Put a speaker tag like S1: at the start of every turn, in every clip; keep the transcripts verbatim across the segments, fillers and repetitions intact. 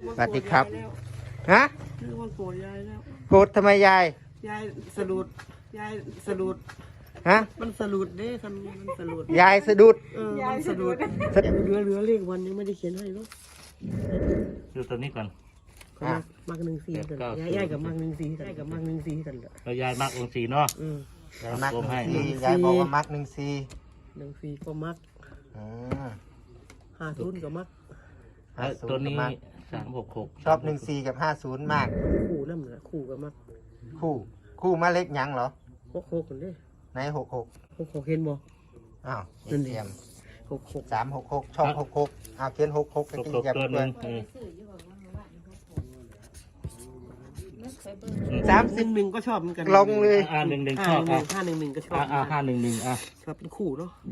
S1: สวัสดีครับฮะ
S2: เรื่องมันโกรธยายแล้ว
S1: โกรธทำไมยาย
S2: ยายสะดุดยายสะดุด
S1: ฮะ
S2: มันสะดุดเด้ทำมันสะดุด
S1: ยายสะดุด
S2: เออมันสะดุดเหลือเหลือเลขวันยังไม่ได้เขียนให้เนาะ
S3: ดูตัวนี้ก่อน
S2: มักหนึ่งสี่กันยายยายกับมักหนึ่งสี่กันยายกับมักหนึ่งสี่กันเลย
S3: เรายายมักองค์สีเนาะ
S1: ยายมักหนึ่งสี่ยายบอกว่ามักหนึ่งสี่
S2: หนึ่งสี่ก็มักห้าศูนย์ก็มัก
S3: ตัวนี้สามหกหก
S1: ชอบหนึ่งสี่กับห้าศูนย์มาก
S2: คู่นั่นแหละคู่ก็มัก
S1: คู่คู่มาเล็กยังเหรอ
S2: หกหกกันเด้
S1: ไหนหกหก
S2: หกหกเห็นบ่
S1: อ้าวเทียม
S2: หกหก
S1: สามหกหกช่องหกหกอ้าวเขียนหกหกไปกินยับด้วย
S2: สามสิบหนึ่งก็ชอบเหมือนกัน
S1: ลงเลย
S3: อ่าหนึ่งหนึ่งชอบ
S2: ห้าหนึ่งหนึ่งก็ชอบ
S3: อ่าห้าหนึ่งหนึ่งอ่ะ
S2: ชอบเป็นคู่เนาะ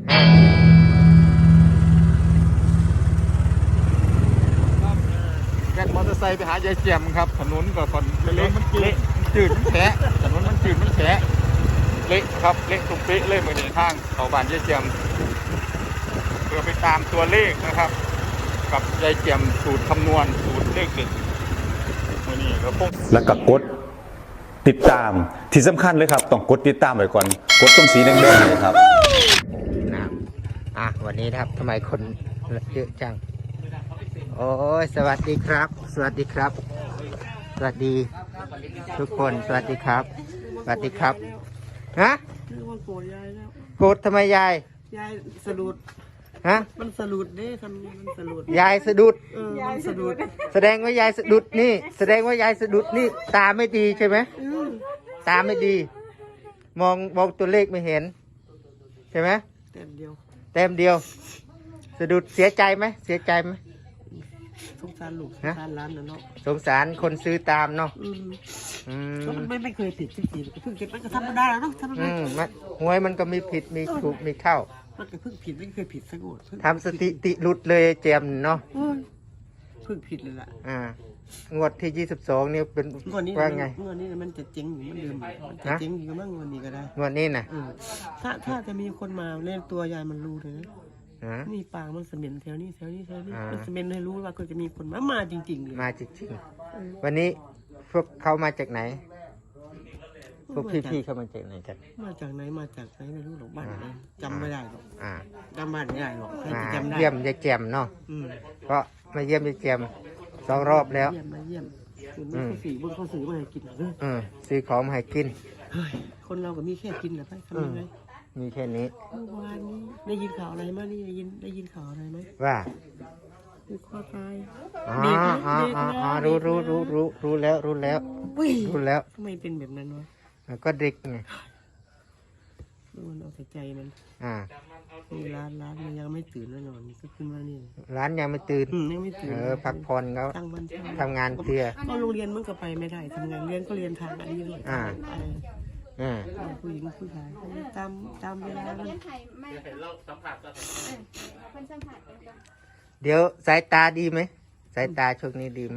S4: แกนมอเตอร์ไซค์ไปหายายเจียมครับถนนก็คนเละมันจืดจืดมันแฉะถนนมันจืดมันแฉะเละครับเละตรงเป๊ะเลยมือหนีทางเขาบ้านยายเจียมเพื่อไปตามตัวเลขนะครับกับยายเจียมสูตรคำนวณสูตรเลขเด็ดมือนี้ก็พง
S5: แล้วก็กดติดตามที่สำคัญเลยครับต้องกดติดตามไว้ก่อนกดตรงสีแดงๆเลยครับ
S1: น้ำอ่ะวันนี้นะครับทำไมคนเยอะจังโอ้ยสวัสดีครับสวัสดีครับสวัสดีทุกคนสวัสดีครับสวัสดีครับฮะ
S2: เรื่องมันโกรธยายแล้ว
S1: โกรธทำไมยาย
S2: ยายสะดุด
S1: ฮะ
S2: มันสะดุดเด้ทำมันสะดุด
S1: ยายสะดุด
S2: เออมันสะดุด
S1: แสดงว่ายายสะดุดนี่แสดงว่ายายสะดุดนี่ตาไม่ดีใช่ไหมตาไม่ดีมองมองตัวเลขไม่เห็นใช่ไหม
S2: เต็มเดียว
S1: เต็มเดียวสะดุดเสียใจไหมเสียใจไหม
S2: สงสารลูกสงสารร้านนะเนาะ
S1: สงสารคนซื้อตามเนาะ
S2: อืมมันไม่ไม่เคยผิดสักทีเพิ่งเก็บมันก็ธรรมดาแล้วเนาะธรรมดา
S1: หวยมันก็มีผิดมีถูกมีเข้า
S2: มันก็เพิ่งผิดไม่เคยผิดสักงวด
S1: ทำสถิติหลุดเลยเจมเนาะ
S2: เพิ่งผิดเลยล่ะ
S1: อ่างวดที่ยี่สิบสองนี่เป็นว่าไง
S2: งวดนี้มันจะเจ๊งอยู่มันเดิมมันจะเจ๊งอยู่มั่งงวดนี้ก็ได้
S1: งวดนี้นะ
S2: ถ้าถ้าจะมีคนมาเล่นตัวยายมันรู้เลยนะนี่ปางมันเสม็นแถวนี้แถวนี้แถวนี้มันเสม็นให้รู้ว่าก็จะมีคนมามาจริงๆเลย
S1: มาจริงๆวันนี้พวกเขามาจากไหนพวกพี่ๆเขามาจากไหนกัน
S2: มาจากไหนมาจากไหนไม่รู้หรอกบ้านไหนจำไม่ได้หรอกจำบ้านไม่ได้หรอก
S1: จำได้เยี่ยมยายแจมเนาะเพราะมาเยี่ยมยายแจมสองรอบแล้ว
S2: เยี่ยมมาเยี่ยมคุณไม่เขาสื่อบนเขาสื่อมาให้กินหรอ
S1: ซื้อของมาให้กิน
S2: คนเราก็มีแค่กินแหละไปทำยังไง
S1: มีแค่นี้
S2: เมื่อวานนี้ได้ยินข่าวอะไรมานี่ได้ยินได้ยินข่าวอะไรไหม
S1: ว่า
S2: คือข้อตาย
S1: อ๋ออ๋ออ๋อรู้รู้รู้รู้รู้แล้วรู้แล้วรู้แล้ว
S2: ทำไมเป็นแบบนั้นวะ
S1: ก็เด็กไง
S2: มันเอาแต่ใจมัน
S1: อ่า
S2: นี่ร้านร้านมันยังไม่ตื่นแน่นอนก็ขึ้นมานี่
S1: ร้านยังไม่ตื่น
S2: ยังไม่ตื่น
S1: เออพักผ่อนเขาทำงานเพื่อ
S2: ก็โรงเรียนมันก็ไปไม่ได้ทำงานเรียนก็เรียนทางอันนี้ด้วย
S1: อ่า
S2: อ่าผู้หญิงผู้ชายตามตามเวลามัน
S1: เดี๋ยวสายตาดีไหมสายตาช่วงนี้ดีไหม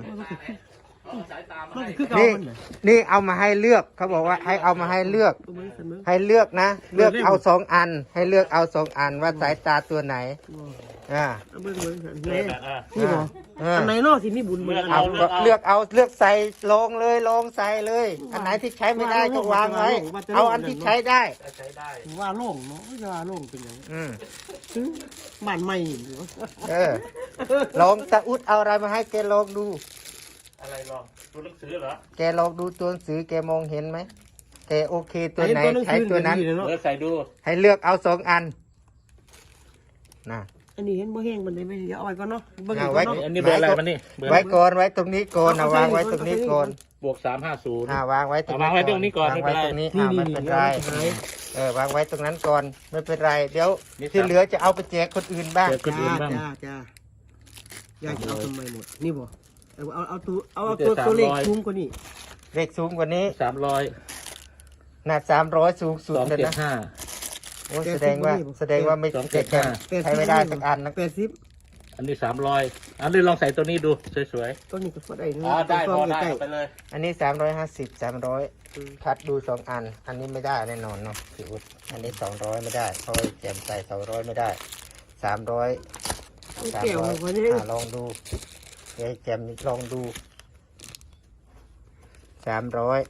S2: นี่
S1: นี่เอามาให้เลือกเขาบอกว่าให้เอามาให้เลือกให้เลือกนะเลือกเอาสองอันให้เลือกเอาสองอันว่าสายตาตัวไหนอ่า
S2: นี่หรออันไหนนอกที่มีบุญมือ
S1: เอาเลือกเอาเลือกใส่ลงเลยลงใส่เลยอันไหนที่ใช้ไม่ได้ก็วางไว้เอาอันที่ใช้ได้
S2: ว่าโล่งเนาะว่าโล่งเป็นอย่าง
S1: อืม
S2: บ้านใหม่
S1: เออลองตะอุดเอาอะไรมาให้แกลองดู
S3: อะไรลองตัวหนังสือเหรอ
S1: แกลองดูตัวหนังสือแกมองเห็นไหมแกโอเคตัวไหนใช้ตัวนั้น
S3: เลือกใส่ดู
S1: ให้เลือกเอาสองอันนะ
S2: อันนี้เห็นบ่แห้งมันได้ไม่เยอะเอาไว้ก่อนเนาะ
S1: เอาไว้
S3: อันนี้เบอร์อะไรมันนี่
S1: ไว้ก่อนไว้ตรงนี้ก่อนเอาวางไว้ตรงนี้ก่อน
S3: บวกสามห้าศูนย์
S1: อ่าวางไว้ตรงนี้
S3: วางไว้ตรงนี้ก่อน
S1: ไม่เป็นไรตรงนี้อ่าไม่เป็นไรเออวางไว้ตรงนั้นก่อนไม่เป็นไรเดี๋ยวที่เหลือจะเอาไปแจกคนอื่นบ้าง
S2: คนอื่นบ้างจ้าจ้าอยากจะเอาทำไมหมดนี่บ่เอาเอาตัวเอาตัวตัวเลขสูงกว่านี้
S1: เลขสูงกว่านี้
S3: สามร้อย
S1: หน้าสามร้อยสูงสุดเลยนะโอ้แสดงว่าแสดงว่าไม่เจ็ดใช้ไม่ได้สักอันนะ
S2: แปดสิบ
S3: อันนี้สามร้อยอันนี้ลองใส่ตัวนี้ดูสวย
S2: ๆตัวนี้ก็พอได้
S3: อ๋อได้พอได้ไปเลย
S1: อันนี้สามร้อยห้าสิบสามร้อยคัดดูสองอันอันนี้ไม่ได้แน่นอนเนาะพี่อุ๊ดอันนี้สองร้อยไม่ได้เพราะแจมใส่สองร้อยไม่ได้สามร้อยสามร้อยลองดูยายแจ่มลองดูสามร้อย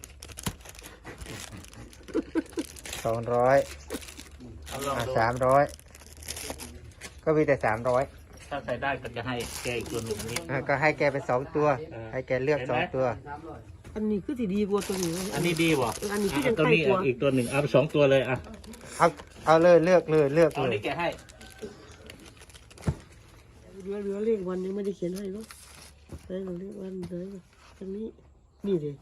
S1: สองร้อย
S3: เอาลองดู
S1: สามร้อยก็มีแต่สามร้อย
S3: ถ้าใส่ได้ก็จะให้แกอีกตัวหนึ่งนี้
S1: ก็ให้แกเป็นสองตัว ให้แกเลือกสองตัว
S2: อันนี้คือสิดีกว่าตัวนี้
S3: อันนี้ดีบ่
S2: เอออันนี้ที่
S3: อ่ะ
S2: ยัง
S3: ตัว
S2: ใกล้
S3: นี้
S2: กว่า
S3: อีกตัวหนึ่งเอาไปสองตัวเลยอ่ะ
S1: เอาเอาเลยเลือกเลยเลือก
S3: เอา
S1: เลย
S3: นี่แกให้
S2: เหลือเหลือเลขวันยังไม่ได้เขียนให้เนาะใช่เลขวันเลยอันนี้นี่เลย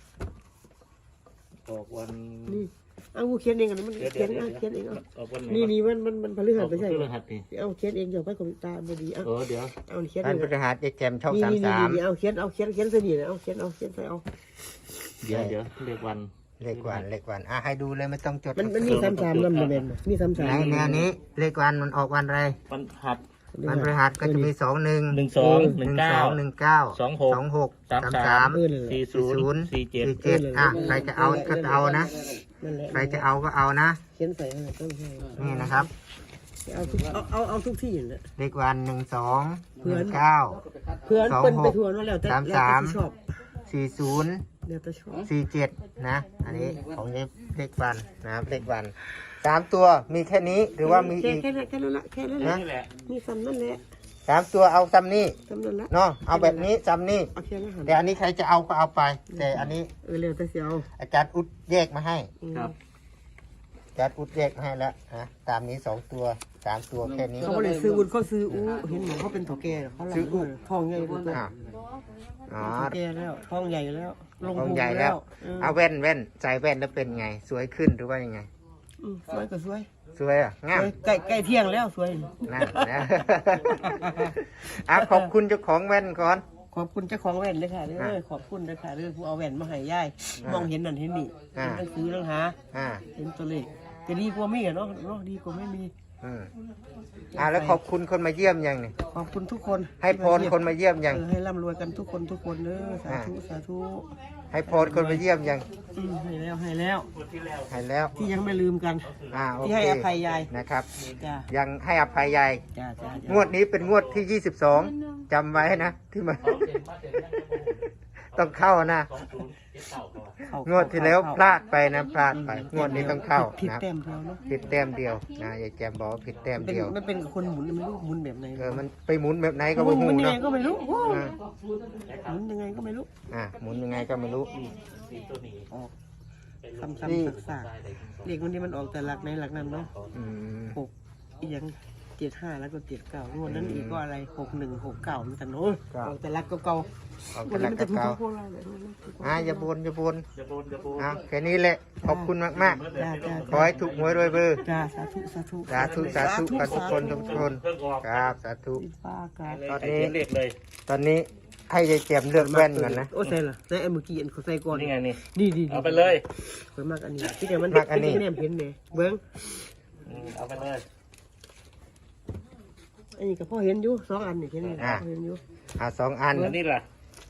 S3: ออกวัน
S2: นี่เอากูเขียนเองกันมัน
S3: เดี๋ยว
S2: เขี
S3: เดี๋
S2: ย
S3: ย
S2: น
S3: ว
S2: เอาเขียนเองเอา
S3: ออกวันไหน
S2: นี่
S3: วะ
S2: นี่มันมันมันพฤหัสไม่ใช่
S3: อ
S2: เห
S3: อก
S2: ร
S3: พฤ
S2: อ
S3: หัสนี่
S2: เอาเขียนเองเดี๋ยวไปคอมตาบดีเอา
S3: เออเดี๋ยว
S2: เอาเขียน
S1: ท่าน
S2: เอง
S1: พฤหัสยายแจ่มช่อง
S2: นี่
S1: สาม
S2: นี่
S1: สาม
S2: นี่เอาเขียนเอาเขียนเขียนเสนีเอาเขียนเอาเขียนใส่เอา
S3: เดี๋ยวเดี๋ยวเรียกวัน
S1: เลขวันเลขวันอ่ะให้ดูเลยไม่ต้องจด
S2: มันมันมีสามสามลำมันเป็นมีสามสาม
S1: ไหนแนวนี้เลขวันมันออกวันอะไร
S3: วันหัด
S1: วันพฤหัสก็จะมีสองหนึ่ง
S3: หนึ่งสองห
S1: ห
S3: นึ่
S1: นึ่
S3: ง
S1: ง
S3: เก้า
S1: สองหนึ่งเก้า
S3: สองหก
S1: สองหก
S3: สาม
S1: สาม
S3: สา
S1: สาม ม
S2: เออเลย
S3: สี่ศูนย์สี่เจ็ด
S1: สี่เจ็ดอ่ะใครจะเอาก็เอานะ
S2: นั่นแหละ
S1: ใครจะเอาก็เอานะ
S2: เขียนใส่ให้ต้องใส่
S1: นี่นะครับ
S2: เอาทุกเอาเอาเอาทุกที่เลย
S1: เลขวันหนึ่งสอง
S2: เพื่
S1: ห
S2: อน
S1: นึ่งเก้า
S2: เพื่อน
S1: สอง
S2: เปิ้น
S1: หก
S2: ไปทวนว่าแล้วแต่
S1: สาม
S2: แล้ว
S1: สาม
S2: แต่ที่ชอบ
S1: สี่ศูนย์
S2: แล้วแต่ชอบ
S1: สี่เจ็ดนะ อันนี้ของเลขวันนะครับเลขวันสามตัวมีแค่นี้หรือว่ามี
S2: แค่
S1: อีก
S2: แค่นั้นแค่นั้นละแค่นั้นละ
S3: นี่แหละ
S2: มีซ้ำนั่นแหละ
S1: สามตัวเอาซ้ำนี่
S2: ซ้ำนั่นละ
S1: เนาะเอาแบบนี้ซ้ำนี่
S2: เอาแค่นั้นหัน
S1: แต่อันนี้ใครจะเอาก็เอาไป แต่อันนี้
S2: เออเร็วแต่เสียว
S1: อาจารย์อุดแยกมาให้
S2: อืม
S3: ครับ
S1: อาจารย์อุดแยกมาให้แล้วนะตามนี้สองตัวสามตัวแค่นี้
S2: เขาก็เลยซื้อวุ้นเขาซื้ออู้เห็นหมอเขาเป็นถอแก่เขา
S1: ซื้ออู้
S2: ทองใหญ่กว่าตัว
S1: อ่าอ๋อ
S2: ถอแก่แล้วทองใหญ่แล้วลง
S1: ของ
S2: พุง
S1: ใหญ่แล้ว
S2: เออ
S1: เอาแว่นแว่นใส่แว่นแล้วเป็นไง สวยขึ้นหรือว่ายังไง
S2: อืมสวยก็สวย
S1: สวยอ่ะ
S2: ส
S1: งาม
S2: วยใกล้ใกล้เที่ยงแล้วสวย
S1: นั่นนะ อ่ะขอบคุณเจ้าของแว่นก่อน
S2: ขอบคุณเจ้าของแว่นเลยค่ะเด้
S1: อ่ะ
S2: อขอบคุณเลยค่ะเด้อผู้เอาแว่นมาให้ยายมองเห็นนั่นเห็นนี่
S1: อ่ะ
S2: เห็นหนังสือหนังหา
S1: อ่า
S2: เห็นตัวเลขจะดีกว่ามีอะเนาะเนาะดีกว่าไม่มี
S1: อืมอ่าแล้วขอบคุณคนมาเยี่ยมยังนี่
S2: ขอบคุณทุกคน
S1: ให้พรคนมาเยี่ยมยัง
S2: เออให้ร่ำรวยกันทุกคนทุกคนเด้อสาธุสาธุ
S1: ให้พรคนมาเยี่ยมยัง
S2: อืมให้แล้วให้แล้ว
S1: ให้แล้ว
S2: ที่ยังไม่ลืมกัน
S1: อ่าโอ
S2: ที่
S1: เค
S2: ให้อภัยยาย
S1: นะครับ
S2: จ้า
S1: ยังให้อภัยยาย
S2: จ้าจ้าจ้าง
S1: วดนี้เป็นงวดที่ยี่สิบสองจำไว้นะที่มา ต้องเข้านะ
S2: เข้าง
S1: วดที่แล้ว
S2: เข้
S1: พลาดไปนะพลาดไป งวดนี้ต้องเข้า
S2: ผิด
S1: นะ
S2: แต้มเดียวเนาะ
S1: ผิดแต้มเดียวนะยายแจมบอกว่าผิดแต้ม
S2: เป็น
S1: เดียว
S2: มันเป็นกับคนหมุนมันรู้หมุนแบบไหน
S1: เออมันไปหมุนแบบไหนก็
S2: หมุ
S1: ไม่
S2: น
S1: หู
S2: มันยังไง
S1: เนาะ
S2: ก็ไม่รู้โอ้
S1: อ่า
S2: หมุนยังไงก็ไม่รู้
S1: อ่าหมุนยังไงก็ไม่รู้
S2: ออกซ้ำๆซากๆเด็กวันนี้มันออกแต่หลักในหลักนั้นเนาะ
S1: อืม
S2: หกอีกอย่างเจ็ดห้าแล้วก็เจ็ดเก้างวดนั้นอีกก็อะไรหกหนึ่งหกเก้ามันแต่โน้ยออกแต่หลักเก่า
S1: ออก
S2: ๆ
S1: กำลัง
S2: มัน
S1: ก
S2: จะถูก
S1: เก่า
S2: พวกเราเลย
S1: อ่าอย่าบนอย่าบน
S3: จะโบนจะโบน
S1: อ่าแค่นี้แหละขอบคุณมากมาก
S2: จ้าจ้า
S1: ๆขอให้ถูกหวยรวยเบอร์
S2: จ้าสาธุสาธุ
S1: สาธุสาธุกันทุกคนทุกคนครับสาธุ
S2: อินฟ้าอากาศ
S1: ตอน
S3: ให้
S1: นี้
S3: เขียนเลขเลย
S1: ตอนนี้ให้ยายแจมเลือกแว่นก่อนนะ
S2: โอ้ใส่ละใส่ไอ้เมื่อกี้อันเขาใส่ก่อน
S3: นี่ไงนี่
S2: นี่ดี
S3: เอาไปเลย
S2: สวยมากอันนี้ที่เดี๋ยวมัน
S1: มากอันนี้
S2: ที่แนมเห็นไหมเบิ้ง
S3: อืมเอาไปเลย
S2: อันนี้ก็พ่อเห็นอยู่สองอันนี่เห็นไหม
S1: อ่า
S2: พ่อเห็นอยู่
S1: อ่าสองอัน
S3: อันนี้ล่ะ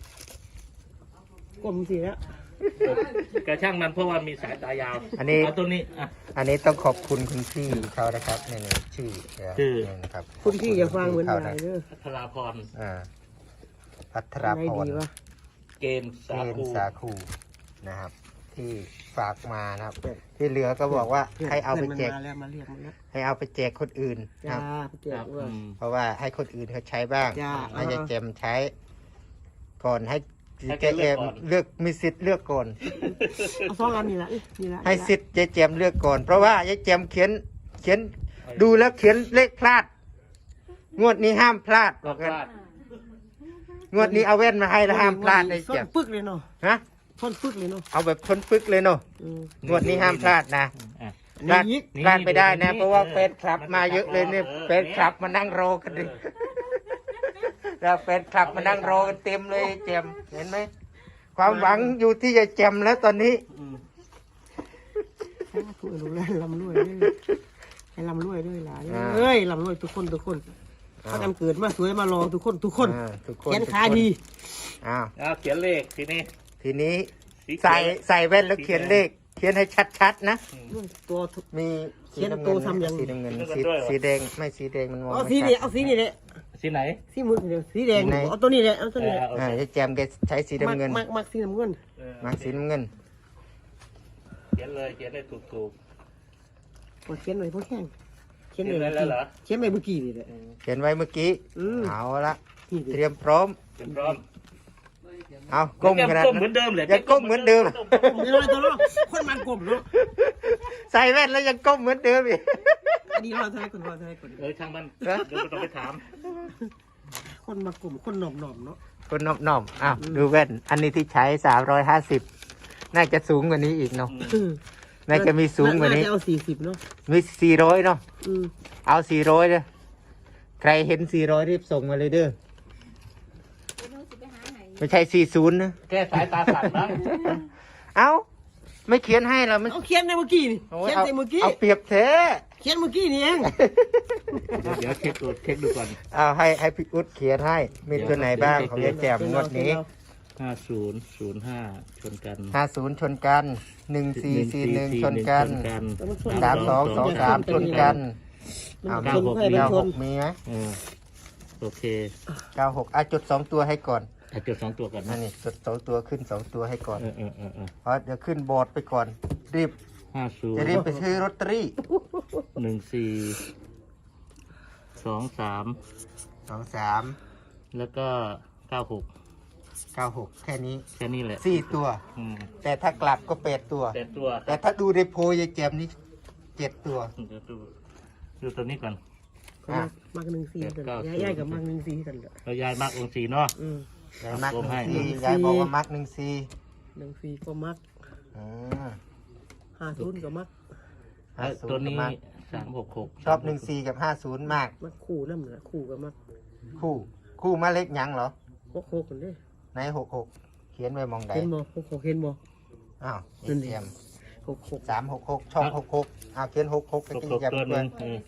S2: กลมสิแล้ว
S3: กระช่างมันเพราะว่ามีสายตายาว
S1: อันนี้
S3: เอาตัวนี้อ่ะ
S1: อันนี้ต้องขอบคุณคุณพี่เขานะครับนี่นี่ชื่อ
S3: ชื่อ
S1: นี่นะครับ
S2: คุณพี่อย่าฟังเหมือน
S1: เขา
S2: ยา
S1: นะ
S2: ยเด้อ
S3: พัทราพร
S1: อ่าพัทรา
S2: ไหน
S1: พร
S2: ดีวะ
S3: เกณฑ์
S1: เก
S3: สา
S1: ณ
S3: คู
S1: ฑ์สาคูนะครับ ที่ฝากมานะครับ ที่เหลือก็บอกว่าให้เอาไปแจก
S2: พื่นมันมาแล้วมาเรียกมันแล้ว
S1: ให้เอาไปแจกคนอื่นนะค
S2: จ้า
S1: รับ
S2: ไปแจ
S3: ค
S2: ก
S3: รับ
S2: ว่า
S3: อืม
S1: เพราะว่าให้คนอื่นเขาใช้บ้าง
S2: จ้า
S1: ให้ยายเจมใช้ ก่อนให้
S3: ให้
S1: แก
S3: แกเลื
S1: เอ
S3: อก
S1: ม
S3: ก่อน
S1: เลือกมีสิทธิ์เลือกก่อน
S2: เอาสองอันนี่ละนี่นี่ละ
S1: ให้สิทธิ์ยายเจมเลือกก่อน เพราะว่ายายเจมเขียนเขียนดูแล้วเขียนเลขพลาด งวดนี้ห้ามพลาดบ
S3: ก็
S1: อก
S3: พ
S1: กัน
S3: ลาด
S1: งวดนี้เอาแว่นมาให้แล้วห้ามพลาดยาย
S2: ส้
S1: เจ
S2: น
S1: ม
S2: ปึกเลยเนาะ
S1: ฮะ
S2: ส้นปึกเลยเนาะ
S1: เอาแบบทนปึกเลยเนาะ
S2: อืม
S1: งวดนี้ห้ามพลาดนะ
S3: อ่ะ
S1: พลาด
S2: นี่
S1: พลาดไม่ได้นะ
S3: นี่
S1: เพราะว่า
S3: เออ
S1: เฟนคลับมาเยอะเลยเนี่ย
S3: เออ
S1: เฟนคลับมานั่งรอกันดิแล้วเฟนคลับมานั่งรอกันเต็มเลยยายเจมเห็นไหมความหวังอยู่ที่ยายเจมแล้วตอนนี้
S2: อืมถูกรู้แล้วลำรวยด้วยให้ลำรวยด้วยหลาน
S1: อ่า
S2: เอ้ยลำรวยทุกคนทุกคนเขาจำเกิดมาสวยมารอทุกคนทุกคน
S1: อ่าทุกคน
S2: แขนขา
S1: ทุกคน
S2: ดี
S1: อ้าว
S3: เอาเขียนเลขทีนี้
S1: ทีนี้
S3: สีเขียว
S1: ใส่ใส่แว่นแล้วเขียนเลข เขียนให้ชัดๆนะ
S2: ตัวทุก
S1: มี
S2: เขียน
S1: สีำ
S2: ตัวทำยัง
S1: สีน้ำเงิน
S3: สีน้ำเงิน
S1: สี
S3: ด้วยเหรอ
S1: สีแดงไม่สีแดงมันมอง
S2: เอา
S1: ไม่
S2: สี
S1: ชั
S2: นี่
S1: ด
S2: เอาสีนี่แหละ
S3: สีไหน
S2: สีมือเดียวสีแดงเอาตัวนี้แหละเอาตัวนี้แหละ
S3: เออ
S1: อ่ายายแจมแกใช้สีน้ำเงิน
S2: มักมักสีน้ำเงิน
S3: เออ
S1: มาสีน้ำเงิน
S3: เขียนเลยเขียนได้ถูกถูก
S2: พอเขียนไว้พอแข้งเขียน
S3: เขียน
S2: ไว้
S3: ไว้แล้วเหรอ
S2: เขียนไว้เมื่อกี้นี่แหละ
S1: เขียนไว้เมื่อกี้
S2: อืม
S1: เอาละ
S2: นี่
S1: เตรียมพร้อม
S3: เขียนพร้อม
S1: เอาก้มขนาด
S3: ก้มเหมื
S1: นั้
S3: อน นเดิมเลย
S1: ยังก้มเหมือนเดิม
S2: ไม่น้อยตัวเนาะคนมันกลมเนาะ
S1: ใส่แว่นแล้วยังก้มเหมือนเดิมอีก
S2: อันนี้เราทายคนเราทายคน
S3: เออช่างมันเดี๋ยวเราต้องไปถาม
S2: คนมากลมคนหน่อมหน่อมเนาะ
S1: คนนอบน้อมอ้าวดูแว่น อันนี้ที่ใช้สามร้อยห้าสิบน่าจะสูงกว่านี้อีกเนาะน่าจะมีสูงกว่านี้
S2: จะเอาสี่สิบเนาะ
S1: มีสี่ร้อยเนาะ
S2: อืม
S1: เอาสี่ร้อยเลยใครเห็นสี่ร้อยรีบส่งมาเลยเด้อไม่ใช่สี่ศูนย์นะ
S3: แก้สายตาสั่นนะ
S1: เอาไม่เขียนให้เราไม่
S2: เอาเขียนในเมื่อกี้นี่
S1: โอ้
S2: เขียน
S1: เอา
S2: ในเมื่อกี้
S1: เอาเปรียบเท
S2: เขียนเมื่อกี้นี่เอง
S3: เดี๋ยวเดี๋ยวเช็คดูเช็คดูก่อน
S1: เอาให้ให้พี่อุ๊ดเขียนให้ มีตัวไหนบ้างของยายแจ่มงวดนี้
S3: ห้าศูนย์ศูนย์ห้าชนกัน
S1: ห้าศูนย์ชนกันหนึ่งสี่สี่หนึ่งชนกัน
S2: แล้วมันชน
S1: สามสองสองสามชนกัน
S2: มัน
S1: เอา
S2: ชนใครมัน
S1: เก้า
S2: ช
S1: ห
S2: น
S1: กมีไหม
S3: เออโอเค
S1: เก้าหกอ่ะจุดสองตัวให้ก่อน
S3: ถ้าจุดสองตัวก่อน
S1: นั่
S3: นะ
S1: นนี่จุดสองตัวขึ้นสองตัวให้ก่อน
S3: เออเออเออเออ
S1: เพราะเดี๋ยวขึ้นบอร์ดไปก่อน รีบ
S3: ห้าศูน
S1: จะ
S3: ย์
S1: รีบไปซื้อลอตเตอรี่
S3: หนึ่งสี่สองสาม
S1: สองสาม
S3: แล้วก็เก้าหก
S1: เก้าหกแค่นี้
S3: แค่นี้แหละ
S1: สี่ตัว
S3: อืม
S1: แต่ถ้ากลับก็แปดตัว
S3: แต่ตัว
S1: แต่ถ้าดูในโพยยายแจมนี่เจ็ดตัว
S3: เดี๋ยวดูดูตัวนี้ก่อน
S2: มักมักหนึ่งสี่กัน
S3: เก้า
S2: ย้ายๆกับมักหนึ่งสี่กันเลย
S3: เรายายมากองค์สีเนาะ
S2: อืม
S1: ยายมักหนึ่ง
S3: ให้
S1: ซียายบอกว่ามักหนึ่งซี
S2: หนึ่งสี่ก็มัก
S1: อืม
S2: ห้าศูนย์ก็มัก
S1: ห้าศู
S3: ตัวน
S1: ย์ก็
S3: นี้
S1: มัก
S3: สามหกหก
S1: ชอบหนึ่งซีกับห้าศูนย์มาก
S2: มักคู่นั่นแหละคู่ก็มัก
S1: คู่ คู่มาเล็กยังเหรอ
S2: หกหกกันเด้
S1: ในหกหกเขียนไว้มองใด
S2: เห็นบ่หกหกเห็นบ่
S1: อ้าว
S2: นั่
S1: ยาย
S2: นดิ
S1: แจม
S2: หกหก
S1: สามหกหกช่องหกหกอ้าวเขียนหกหกไป
S3: หก
S1: กิน
S3: หก
S1: กับ
S3: ตัวห
S1: เพื่อ
S3: นึ่
S1: น
S3: งอืม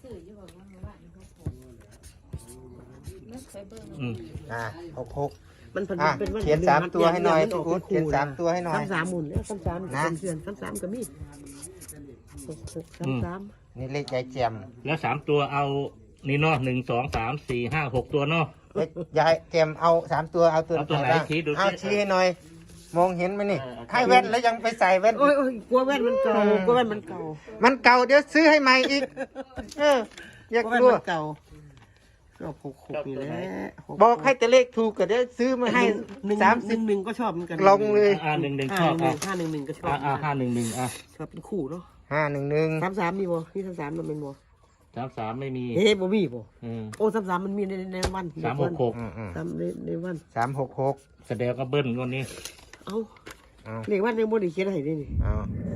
S3: อืม
S1: อ่าหกหก
S2: มันเป็น
S1: อ่ะ
S2: เป็นวัน
S1: เขียนสามตัวให้หน่อย
S2: มั
S1: พี่อุ๊ด
S2: ก
S1: เขียนสามตัวให้หน่อย
S2: สามสามหมุนแล้วสามสาม
S1: นะ
S2: เป็นเพื่อนสามสามก็มีหกหกสามสาม
S1: นี่เลขยายแจม
S3: แล้วสามตัวเอานี่เนาะหนึ่งสองสามสี่ห้าหกตัวเนาะ
S1: เอ๊ะยายแจมเอาสามตัวเอาตัว
S3: เอาตัวไหน
S1: บ้าง
S3: ชี้ดูสิ
S1: เอาชี้ให้หน่อย มองเห็นไหมนี่
S3: เออ
S1: ให้แว่นแล้วยังไปใส่แว่น
S2: โอ้ยโอ้ยกลัวแว่นมันเก่ากลัวแว่นมันเก่า
S1: มันเก่าเดี๋ยวซื้อให้ใหม่อีก เออ อยาก
S2: กลัวแว่น
S1: รู้
S2: มันเก่าชอบหกหกนี่แหละห
S1: บอกให้แต่เลขถูกก็เดี๋ยวซื้อมาให้
S2: หนึ่ง
S1: สาม
S2: ห
S1: สิ
S2: นึ่
S1: บ
S2: งหนึ่งก็ชอบเหมือนกัน
S1: ลองเลย
S3: อ่าหนึ่งหนึ่งช
S2: ห้า
S3: อบ
S2: หนึ่
S3: อ่ะ
S2: งห้าหนึ่งหนึ่งก็ชอบ
S3: อ่าอ่าห้าหนึ่งหนึ่งอ่ะ
S2: ชอบเป็นคู่เนาะ
S1: ห้าหนึ่งหนึ่ง
S2: สามสามมีบ่นี่สามสามมันเป็นบ่
S3: สามสามไม่มี
S2: เฮ้บ่มีบ่
S3: อืม
S2: โอ้สามสามมันมีในในวัน
S3: สามหกหก
S1: อืมอืม
S2: สามในในวัน
S1: สามหกหก
S3: แสดงก็เบิ้ลวันนี้
S2: เอา
S1: เอา
S2: เรียกว่าในบ่ได้เขียนให้นี่นี่
S1: เอา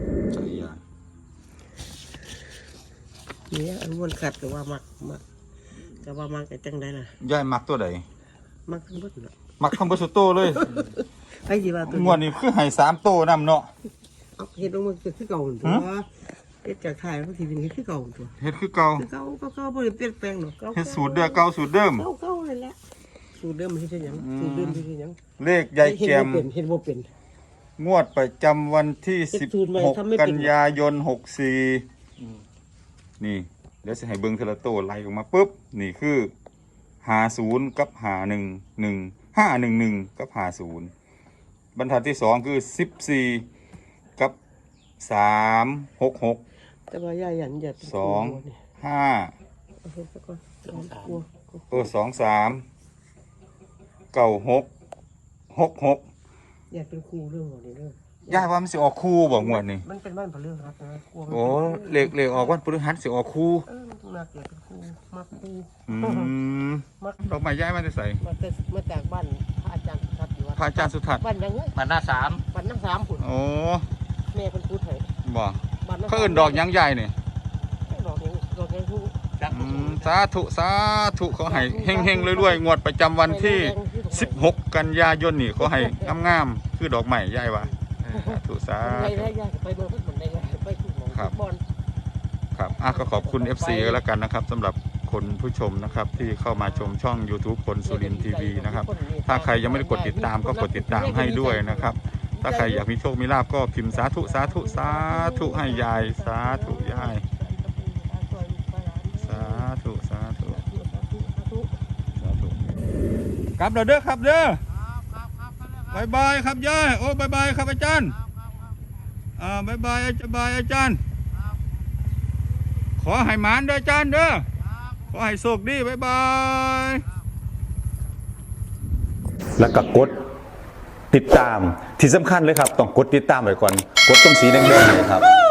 S2: เนี่ยอันวนขัดก็ว่ามักมักก็ว่ามักแต่จังไดล่ะ
S4: ยายมักตัวใด
S2: มักทั้งหมดน่ะ
S4: มักทั้งเบอร์สุดโตเลย
S2: ไอ้สิว่าตัว
S4: งวดนี้คือให้สามโตนำเนาะ
S2: เอาเฮ็ดลงมาคือเก่าหั่นตัว
S4: ฮะ
S2: เฮ็ดจากไทยมันสิเป็นเฮ็ดคือเก่าหั่นตัว
S4: เฮ็ดคือเก่า
S2: คือเก่าก็เก่าบ่ได้เปลี่ยนแปลงหรอกเก่า
S4: เฮ็ดสูตรเดิมเก่าสูตรเดิม
S2: เก่าเก่านั่นแหละสูตรเดิมมันเฮ็ดหยังสูตรเดิมเฮ็ดหยัง
S4: เลขยายแจม
S2: เฮ็ดบ่เป็นเฮ็ดบ่เป็น
S4: งวดประจำวันที่
S2: เฮ็ด
S4: สิบ
S2: สูตรใหม่
S4: หก
S2: ทำไม่เป็น
S4: กันยายนหกสี่นี่ เดี๋ยวจะให้เบิ้งเทละโตไล่ออกมาปุ๊บ นี่คือหาศูนย์กับหาหนึ่งหนึ่งห้าหนึ่งหนึ่งกับหาศูนย์บรรทัดที่สองคือสิบสี่กับสามหกหก
S2: แต่ว่าย่าหยันอย่าเป็น
S4: สอง
S2: ครูนี่
S4: ห้า
S2: เอาเฮ็ดซะก่อนเอากลัว
S4: เออสองสามเก้าหกหกหก
S2: อย่าเป็นครูเรื่องของนี้เด้อ
S4: ย่าว่ามันสิออกคู่บ่งวดนี่
S2: มันเป็นบ้านพลือครับนะกลัวมัน
S4: โอ้เลขเลขออกวันพฤหัสสิออกคู่
S2: เออมันต้องนักอย่าเป็นครูมักครู
S4: อืม
S2: มัก
S4: ดอกไม้ย้ายมาจะใส่
S2: มาแต่มาจากบ้านพระอาจารย์ครับอยู่วัด
S4: พระอาจารย์สุทัศน์
S2: บ้านยังไง
S3: มันหน้าสาม
S2: บ้านน้ำสามผุน
S4: โอ้
S2: แม่เป็นครูไทย
S4: บ่
S2: บ้านน้ำสาม
S4: เขาเอิ้นดอกหยังใหญ่นี่
S2: ดอกยังดอกยังครู
S3: จัก
S4: อืมสาธุสาธุเขาให้เฮงๆรวยๆงวดประจำวันที่สิบหกกันยายนนี่เขาให้งามๆคือดอกไม้ใหญ่ว่ะสาธุสา
S2: ไป
S4: ธุ
S2: ได้ยากไปเมืองพุทธมันได้ยากไปทุกหมอง
S4: ครับ
S2: บอล
S4: ครับอ่ะก็ขอบคุณ เอฟ ซี ก็แล้วกันนะครับสำหรับคนผู้ชมนะครับที่เข้ามาชมช่อง YouTube คนสุรินทร์ทีวีนะครับถ้าใครยังไม่ได้กดติดตามก็กดติดตามให้ด้วยนะครับ ถ้าใครอยากมีโชคมีลาภก็พิมพ์สาธุสาธุสาธุให้ยายสาธุยายสาธุสาธุสาธุลับเราเด้อครับเด้อบายบายครับยายโอ้บายบายครับอาจารย์อ่าบายบายอาจารย์บายอาจารย์ขอให้หมานเด้ออาจารย์เด้อขอให้โชคดีบายบาย
S5: แล้วก็กดติดตามที่สำคัญเลยครับต้องกดติดตามไว้ก่อนกดตรงสีแดงๆเนี่ยครับ